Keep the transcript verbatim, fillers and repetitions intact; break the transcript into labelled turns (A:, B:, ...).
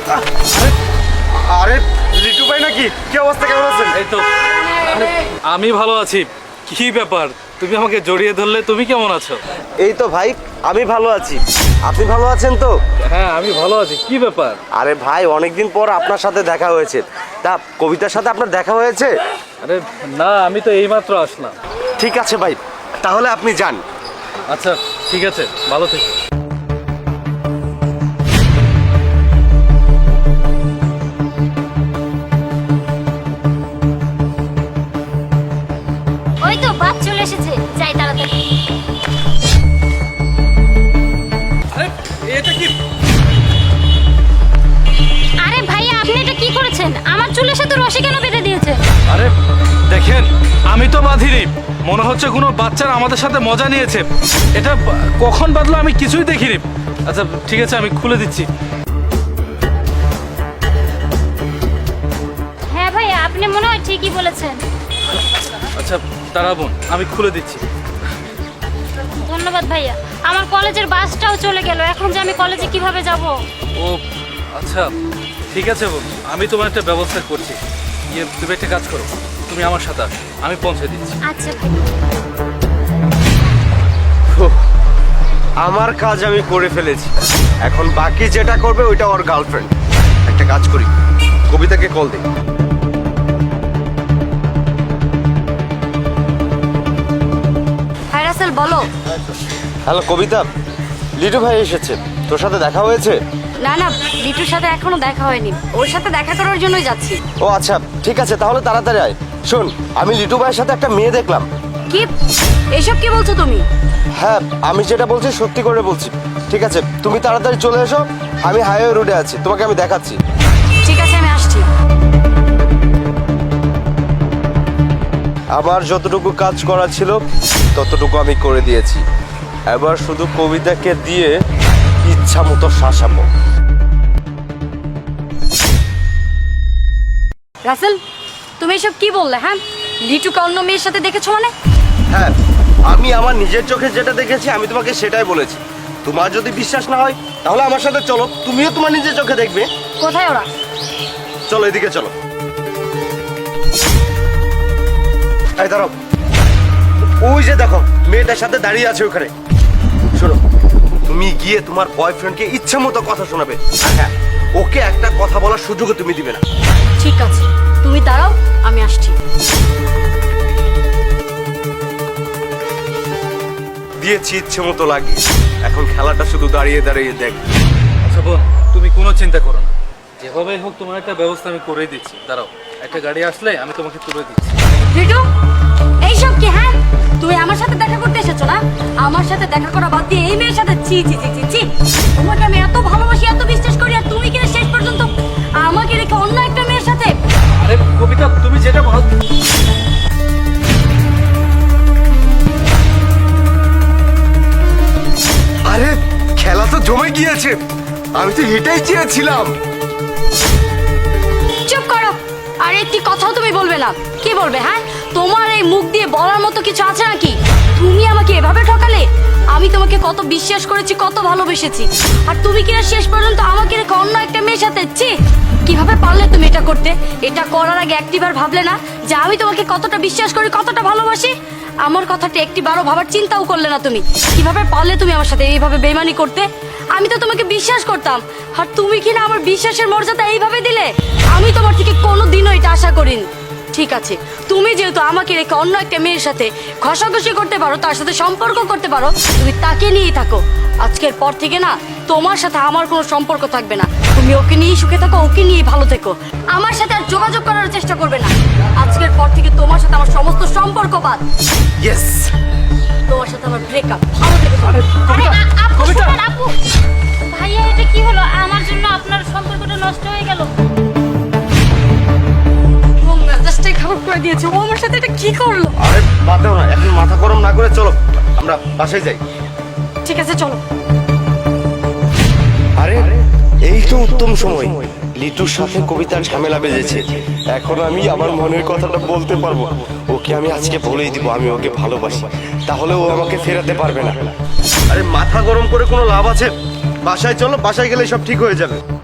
A: আরে লিটু ভাই নাকি? কি অবস্থা, কেমন আছেন?
B: এই তো আমি ভালো আছি। কি ব্যাপার, তুমি আমাকে জড়িয়ে ধরলে? তুমি কেমন আছো?
A: এই তো ভাই, আমি ভালো আছি। আপনি ভালো আছেন তো?
B: হ্যাঁ আমি ভালো আছি। কি ব্যাপার?
A: আরে ভাই, অনেকদিন পর আপনার সাথে দেখা হয়েছে। তা কবিতার সাথে আপনার দেখা হয়েছে?
B: আরে না, আমি তো এইমাত্র আসলাম।
A: ঠিক আছে ভাই, তাহলে আপনি যান।
B: আচ্ছা ঠিক আছে, ভালো থেকো।
C: ওই তো বাস চলে এসেছে, যাই তাড়াতাড়ি।
B: আরে এটা কি?
C: আরে ভাইয়া, আপনি এটা কি করেছেন? আমার চুলের সাথে রশি কেন বেঁধে দিয়েছে?
B: আরে দেখেন, আমি তো বাঁধিনি। মনে হচ্ছে কোনো বাচ্চারা আমাদের সাথে মজা নিয়েছে। এটা বা- কখন বাঁধলো আমি কিছুই দেখিনি। আচ্ছা ঠিক আছে, আমি খুলে দিচ্ছি।
C: হ্যাঁ ভাইয়া, আপনি মনে হয় ঠিকই বলেছেন।
B: আচ্ছা দাঁড়াবুন, আমি খুলে দিচ্ছি।
C: ধন্যবাদ ভাইয়া। আমার কলেজের বাসটাও চলে গেল, এখন যে আমি কলেজে কিভাবে যাব?
B: ও আচ্ছা ঠিক আছে বোন, আমি তোমার একটা ব্যবস্থা করছি। ইয়ে তুমি একটা কাজ করো, তুমি আমার সাথে আসো, আমি পৌঁছে দিচ্ছি।
C: আচ্ছা ভাইয়া।
A: উফ, আমার কাজ আমি করে ফেলেছি। এখন বাকি যেটা করবে ওইটা ওর গার্লফ্রেন্ড। একটা কাজ করি, কবিতাকে কল দিই।
D: হাই রাসেল, বলো।
A: হ্যালো কবিতা, লিটু ভাই এসেছে, তোর সাথে দেখা হয়েছে?
D: না না, লিটুর সাথে এখনো দেখা হয়নি, ওর সাথে দেখা করার জন্যই যাচ্ছি।
A: ও আচ্ছা ঠিক আছে, তাহলে তাড়াতাড়ি আয়। শোন, আমি লিটু ভাইয়ের সাথে একটা মেয়ে দেখলাম।
D: কি এসব কি বলছো তুমি?
A: হ্যাঁ, আমি যেটা বলছি সত্যি করে বলছি। ঠিক আছে, তুমি তাড়াতাড়ি চলে এসো, আমি হাইওয়ে রোডে আছি, তোমাকে আমি দেখাচ্ছি।
D: ঠিক আছে, আমি আসছি।
A: আমার যতটুকু কাজ করা ছিল ততটুকু আমি করে দিয়েছি। এবার শুধু কবিতাকে দিয়ে ইচ্ছা মতো শাসাবো।
D: রাসেল, তুমি এসব কি বললে? হ্যাঁ, লিটুকে অন্য মেয়ের সাথে দেখেছো মানে?
A: হ্যাঁ, আমি আমার নিজের চোখে যেটা দেখেছি আমি তোমাকে সেটাই বলেছি। তোমার যদি বিশ্বাস না হয় তাহলে আমার সাথে চলো, তুমিও তোমার নিজের চোখে দেখবে।
D: কোথায় ওরা?
A: চলো এদিকে চলো। এই দাঁড়াও, ওই যে দেখো মেয়েটার সাথে দাঁড়িয়ে আছে ওখানে। শোনো, তুমি গিয়ে তোমার বয়ফ্রেন্ডকে ইচ্ছা মতো কথা শোনাবে। আর হ্যাঁ, ওকে একটা কথা বলার সুযোগও তুমি দিবে না।
D: ঠিক আছে, তুমি দাঁড়াও, আমি আসছি।
A: দিয়েছি ইচ্ছে মতো লাগে, এখন খেলাটা শুধু দাঁড়িয়ে দাঁড়িয়ে দেখ।
B: আচ্ছা বোন, তুমি কোনো চিন্তা করো না, যেভাবে হোক তোমার একটা ব্যবস্থা আমি করে দিচ্ছি। দাঁড়াও, একটা গাড়ি আসলে আমি তোমাকে তুলে দিচ্ছি।
D: লিটু, এইসব কি? হ্যাঁ, তুমি আমার সাথে দেখা করতে এসেছো না? আমার সাথে দেখা করা বাদ দিয়ে এই মেয়ের সাথে? ছি ছি ছি ছি ছি। তোমাকে আমি এত ভালোবাসি, এত বিশ্বাস করি, আর তুমি কিনা শেষ পর্যন্ত আমাকে রেখে অন্য একটা মেয়ের সাথে?
B: আরে কবিতা, তুমি যেটা ভালো।
A: আরে খেলা তো জমে গিয়েছে, আমি তো এটাই চেয়েছিলাম।
D: চুপ করো, আর একটি কথাও তুমি বলবে না। কি বলবে? হ্যাঁ, তোমার এই মুখ দিয়ে বলার মতো কিছু আছে নাকি? তুমি আমাকে এভাবে ঠকালে। আমি তোমাকে কত বিশ্বাস করেছি, কত ভালোবেসেছি, আর তুমি কিনা শেষ পর্যন্ত আমাকে রেখে অন্য একটা মেয়ের সাথে? ছি, কিভাবে পারলে তুমি এটা করতে? এটা করার আগে একটিবার ভাবলে না যে আমি তোমাকে কতটা বিশ্বাস করি, কতটা ভালোবাসি? আমার কথাটা একটিবারও ভাবার চিন্তাও করলে না তুমি। কিভাবে পারলে তুমি আমার সাথে এইভাবে বেইমানি করতে? আমি তো তোমাকে বিশ্বাস করতাম, আর তুমি কিনা আমার বিশ্বাসের মর্যাদা এইভাবে দিলে। আমি তোমার থেকে কোনোদিনও এটা আশা করিনি। ঠিক আছে, তুমি যেহেতু আমাকে রেখে অন্য একটা মেয়ের সাথে ঘষাঘষি করতে পারো, তার সাথে সম্পর্ক করতে পারো, তুমি তাকে নিয়েই থাকো। আজকের পর থেকে না, তোমার সাথে আমার কোনো সম্পর্ক থাকবে না। তুমি ওকে নিয়েই সুখে থাকো, ওকে নিয়েই ভালো থেকো। আমার সাথে আর যোগাযোগ করার চেষ্টা করবে না। আজকের পর থেকে তোমার সাথে আমার সমস্ত সম্পর্ক বাদ।
A: ইয়েস,
D: তোমার সাথে আমার ব্রেকআপ। ভালো থেকো।
C: আরে
B: কবিতা,
C: আ- আপু,
B: কবিতা।
C: শোনেন, আপু। ভাইয়া, এটা কি হলো? আমার জন্য আপনার সম্পর্কটা নষ্ট হয়ে গেল।
D: ও মেজাজটাই খারাপ করে দিয়েছে। ও আমার সাথে এটা কি করলো?
A: আরে বাদ দাও না, এখন মাথা গরম না করে চলো আমরা বাসায় যাই।
D: ঠিক আছে, চলো।
A: আরে এই তো উত্তম সময়, লিটুর সাথে কবিতার ঝামেলা বেজেছে। এখন আমি আমার মনের কথাটা বলতে পারবো। ওকে আমি আজকে বলেই দিব আমি ওকে ভালোবাসি, তাহলে ও আমাকে ফেরাতে পারবে না। আরে মাথা গরম করে কোনো লাভ আছে? বাসায় চলো, বাসায় গেলে সব ঠিক হয়ে যাবে।